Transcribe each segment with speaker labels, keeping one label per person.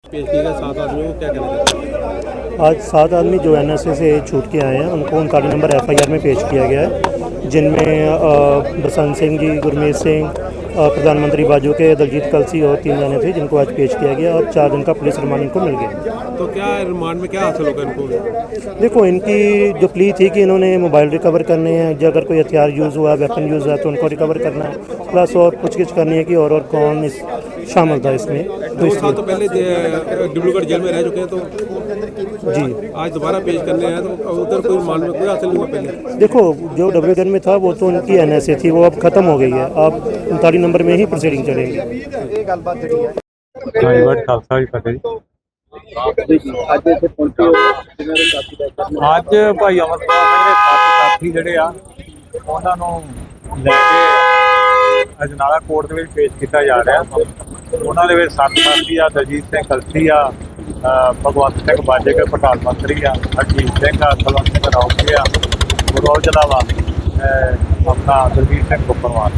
Speaker 1: पेश किए गए 7 आदमियों को क्या कहना चाहते हैं?
Speaker 2: आज 7 आदमी जो NSA से छूट के आए हैं उनको 39 नंबर FIR में पेश किया गया है, जिनमें बसंत सिंह जी, गुरमीत सिंह, प्रधानमंत्री बाजू के दलजीत कलसी और 3 जाने थे जिनको आज पेश किया गया और 4 दिन का पुलिस रिमांड इनको मिल गया।
Speaker 1: तो क्या रिमांड में क्या हासिल होगा इनको?
Speaker 2: देखो, इनकी जो प्ली थी कि इन्होंने मोबाइल रिकवर करने हैं, जो अगर कोई हथियार यूज़ हुआ, वेपन यूज़ हुआ तो उनको रिकवर करना है, प्लस और पूछगिछ करनी है कि और कौन इस शामिल था इसमें।
Speaker 1: 2 साल तो पहले डिब्रूगढ़ जेल में रह चुके हैं, तो
Speaker 2: जी
Speaker 1: आज दोबारा पेश करने हैं, तो उधर कोई रिमांड में कोई हासिल नहीं हुआ पहले?
Speaker 2: देखो, जो डिब्रूगढ़ में था वो तो उनकी NSA थी, वो अब ख़त्म हो गई है। अब 39 नंबर में ही प्रोसीडिंग चलेंगी।
Speaker 3: ਵਾਹਿਗੁਰੂ ਖਾਲਸਾ ਜੀ ਫਤਿਹ ਜੀ। ਅੱਜ ਭਾਈ ਅਮਰਪਾਲ ਸਿੰਘ ਦੇ ਸਾਥੀ ਜਿਹੜੇ ਆ ਉਹਨਾਂ ਨੂੰ ਲੈ ਕੇ ਅਜਨਾਲਾ ਕੋਰਟ ਦੇ ਵਿੱਚ ਪੇਸ਼ ਕੀਤਾ ਜਾ ਰਿਹਾ। ਉਹਨਾਂ ਦੇ ਵਿੱਚ 7 ਸਾਥੀ ਆ, ਦਲਜੀਤ ਸਿੰਘ ਕਲਸੀ ਆ, ਭਗਵੰਤ ਸਿੰਘ ਬਾਜੇ ਕੇ ਪ੍ਰਧਾਨ ਮੰਤਰੀ ਆ, ਹਰਜੀਤ ਸਿੰਘ ਆ, ਕੁਲਵੰਤ ਸਿੰਘ ਰੌਕੀ ਆ, ਗੁਰੂ ਜ਼ਿਲ੍ਹਾ ਵਾ ਆਪਣਾ ਦਲਜੀਤ ਸਿੰਘ ਗੁੱਪਰਵਾਲ।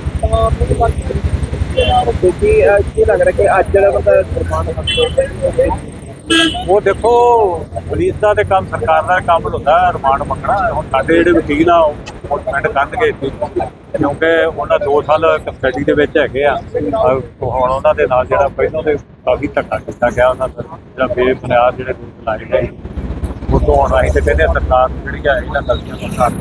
Speaker 4: ਕੀ ਲੱਗ ਰਿਹਾ ਕਿ ਅੱਜ ਜਿਹੜਾ ਬੰਦਾ
Speaker 3: ਉਹ ਦੇਖੋ, ਪੁਲਿਸ ਦਾ ਤੇ ਕੰਮ, ਸਰਕਾਰ ਦਾ ਕੰਮ ਹੁੰਦਾ ਰਿਮਾਂਡ ਮੰਗਣਾ। ਹੁਣ ਸਾਡੇ ਜਿਹੜੇ ਵਕੀਲ ਆ ਉਹ ਡਿਪੈਂਡ ਕਰਨਗੇ, ਕਿਉਂਕਿ ਉਹਨਾਂ 2 ਸਾਲ ਕਸਟਡੀ ਦੇ ਵਿੱਚ ਹੈਗੇ ਆ। ਹੁਣ ਉਹਨਾਂ ਦੇ ਨਾਲ ਜਿਹੜਾ ਪਹਿਲਾਂ ਦੇ ਕਾਫੀ ਧੱਕਾ ਕੀਤਾ ਗਿਆ, ਉਹਨਾਂ ਦਾ ਜਿਹੜਾ ਬੇਬੁਨਿਆਦ ਜਿਹੜੇ ਦੋਸ਼ ਲਾਏ ਗਏ, ਉਹ ਤੋਂ ਹੁਣ ਅਸੀਂ ਤੇ ਕਹਿੰਦੇ ਸਰਕਾਰ ਜਿਹੜੀ ਆ ਇਹਨਾਂ ਗਲਤੀਆਂ ਨੂੰ ਕਰ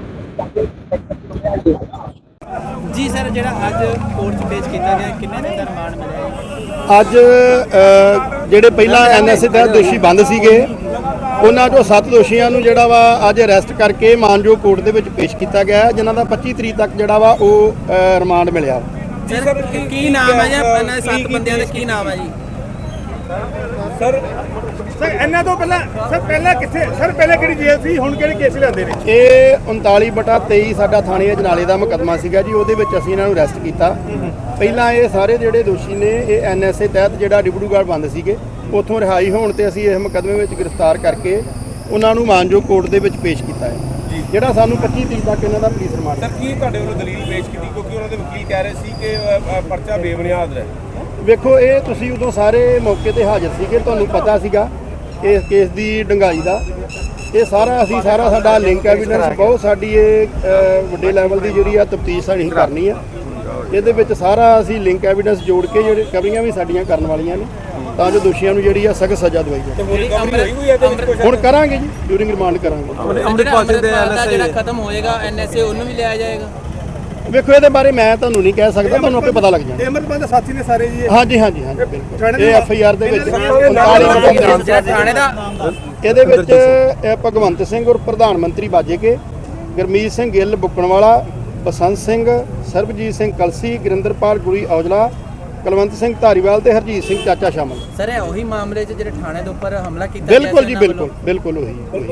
Speaker 4: ਜੀ ਸਰ, ਜਿਹੜਾ ਅੱਜ ਕੋਰਟ 'ਚ ਪੇਸ਼ ਕੀਤਾ ਗਿਆ, ਕਿੰਨੇ ਦਿਨ ਦਾ ਰਿਮਾਂਡ ਮਿਲਿਆ?
Speaker 5: ਅੱਜ ਜਿਹੜੇ ਪਹਿਲਾਂ NSA ਤਹਿਤ ਦੋਸ਼ੀ ਬੰਦ ਸੀਗੇ ਉਹਨਾਂ ਚੋਂ 7 ਦੋਸ਼ੀਆਂ ਨੂੰ ਜਿਹੜਾ ਵਾ ਅੱਜ ਅਰੈਸਟ ਕਰਕੇ ਮਾਨਯੋਗ ਕੋਰਟ ਦੇ ਵਿੱਚ ਪੇਸ਼ ਕੀਤਾ ਗਿਆ, ਜਿਨ੍ਹਾਂ ਦਾ 25 ਤਰੀਕ ਤੱਕ ਜਿਹੜਾ ਵਾ ਉਹ ਰਿਮਾਂਡ ਮਿਲਿਆ।
Speaker 4: ਸਰ ਕੀ ਨਾਮ ਹੈ ਜੀ ਇਹਨਾਂ 7 ਬੰਦਿਆਂ ਦਾ, ਕੀ ਨਾਮ ਹੈ ਜੀ?
Speaker 6: ਸਰ ਇਹਨਾਂ ਤੋਂ ਪਹਿਲਾਂ ਕਿੱਥੇ ਸਰ, ਪਹਿਲਾਂ ਕਿਹੜੀ ਜੇਲ੍ਹ ਸੀ, ਹੁਣ ਕਿਹੜੇ ਕੇਸ ਲਿਆਂਦੇ ਨੇ?
Speaker 5: ਇਹ 39/23 ਸਾਡਾ ਥਾਣੇ ਅਜਨਾਲੇ ਦਾ ਮੁਕੱਦਮਾ ਸੀਗਾ ਜੀ, ਉਹਦੇ ਵਿੱਚ ਅਸੀਂ ਇਹਨਾਂ ਨੂੰ ਅਰੈਸਟ ਕੀਤਾ। ਪਹਿਲਾਂ ਇਹ ਸਾਰੇ ਜਿਹੜੇ ਦੋਸ਼ੀ ਨੇ ਇਹ NSA ਤਹਿਤ ਜਿਹੜਾ ਡਿਬਰੂਗੜ੍ਹ ਬੰਦ ਸੀਗੇ ਉੱਥੋਂ ਰਿਹਾਈ ਹੋਣ ਤੇ ਅਸੀਂ ਇਸ ਮੁਕੱਦਮੇ ਵਿੱਚ ਗ੍ਰਿਫਤਾਰ ਕਰਕੇ ਉਹਨਾਂ ਨੂੰ ਮਾਨਯੋਗ ਕੋਰਟ ਦੇ ਵਿੱਚ ਪੇਸ਼ ਕੀਤਾ ਹੈ, ਜਿਹੜਾ ਸਾਨੂੰ 25 ਤਰੀਕ ਤੱਕ ਇਹਨਾਂ ਦਾ ਪੁਲਿਸ ਰਿਮਾਂਡ।
Speaker 6: ਸਰ ਕੀ ਤੁਹਾਡੇ ਵੱਲੋਂ ਦਲੀਲ ਪੇਸ਼ ਕੀਤੀ, ਕਿਉਂਕਿ ਉਹਨਾਂ ਦੇ ਵਕੀਲ ਕਹਿ ਰਹੇ ਸੀ ਕਿ ਪਰਚਾ ਬੇਬੁਨਿਆਦ ਹੈ?
Speaker 5: ਵੇਖੋ, ਇਹ ਤੁਸੀਂ ਉਦੋਂ ਸਾਰੇ ਮੌਕੇ ਤੇ ਹਾਜ਼ਰ ਸੀਗੇ, ਤੁਹਾਨੂੰ ਪਤਾ ਸੀਗਾ ਇਸ ਕੇਸ ਦੀ ਡੰਗਾਈ ਦਾ। ਇਹ ਸਾਰਾ ਸਾਡਾ ਲਿੰਕ ਐਵੀਡੈਂਸ ਬਹੁਤ ਸਾਡੀ ਇਹ ਵੱਡੇ ਲੈਵਲ ਦੀ ਜਿਹੜੀ ਆ ਤਫਤੀਸ਼ ਸਾਡੀ ਕਰਨੀ ਆ। ਇਹਦੇ ਵਿੱਚ ਸਾਰਾ ਅਸੀਂ ਲਿੰਕ ਐਵੀਡੈਂਸ ਜੋੜ ਕੇ ਜਿਹੜੇ ਕਵਰੀਆਂ ਵੀ ਸਾਡੀਆਂ ਕਰਨ ਵਾਲੀਆਂ ਨੇ, ਤਾਂ ਜੋ ਦੋਸ਼ੀਆਂ ਨੂੰ ਜਿਹੜੀ ਆ ਸਖਤ ਸਜ਼ਾ ਦਵਾਈ ਜਾਵੇ। ਹੁਣ ਕਰਾਂਗੇ ਜੀ, ਡਿਊਰਿੰਗ ਰਿਮਾਂਡ ਕਰਾਂਗੇ।
Speaker 4: ਅੰਮ੍ਰਿਤਪਾਲ ਸਿੰਘ ਦਾ ਜਿਹੜਾ ਖਤਮ ਹੋਏਗਾ NSA, ਉਹਨੂੰ ਵੀ ਲਿਆ ਜਾਏਗਾ?
Speaker 5: ਵੇਖੋ, ਇਹਦੇ ਬਾਰੇ ਮੈਂ ਤੁਹਾਨੂੰ ਨਹੀਂ ਕਹਿ ਸਕਦਾ, ਤੁਹਾਨੂੰ ਆਪੇ ਪਤਾ ਲੱਗ ਜਾਣਾ।
Speaker 6: ਅਮਰਪਾਲ ਦੇ ਸਾਥੀ ਨੇ ਸਾਰੇ ਜੀ?
Speaker 5: ਹਾਂਜੀ ਬਿਲਕੁਲ। ਇਹ FIR ਦੇ ਵਿੱਚ
Speaker 4: ਥਾਣੇ ਦਾ
Speaker 5: ਇਹਦੇ ਵਿੱਚ ਭਗਵੰਤ ਸਿੰਘ ਔਰ ਪ੍ਰਧਾਨ ਮੰਤਰੀ ਬਾਜੇ ਕੇ, ਗੁਰਮੀਤ ਸਿੰਘ ਗਿੱਲ ਬੁੱਕਣਵਾਲਾ, ਬਸੰਤ ਸਿੰਘ, ਸਰਬਜੀਤ ਸਿੰਘ ਕਲਸੀ, ਗੁਰਿੰਦਰਪਾਲ ਗੁਰੀ ਔਜਲਾ, ਕੁਲਵੰਤ ਸਿੰਘ ਧਾਰੀਵਾਲ ਤੇ ਹਰਜੀਤ ਸਿੰਘ ਚਾਚਾ ਸ਼ਾਮਲ।
Speaker 4: ਸਰ ਇਹ ਉਹੀ ਮਾਮਲੇ 'ਚ ਜਿਹੜੇ ਥਾਣੇ ਦੇ ਉੱਪਰ ਹਮਲਾ ਕੀਤਾ?
Speaker 5: ਬਿਲਕੁਲ ਜੀ, ਬਿਲਕੁਲ ਉਹੀ।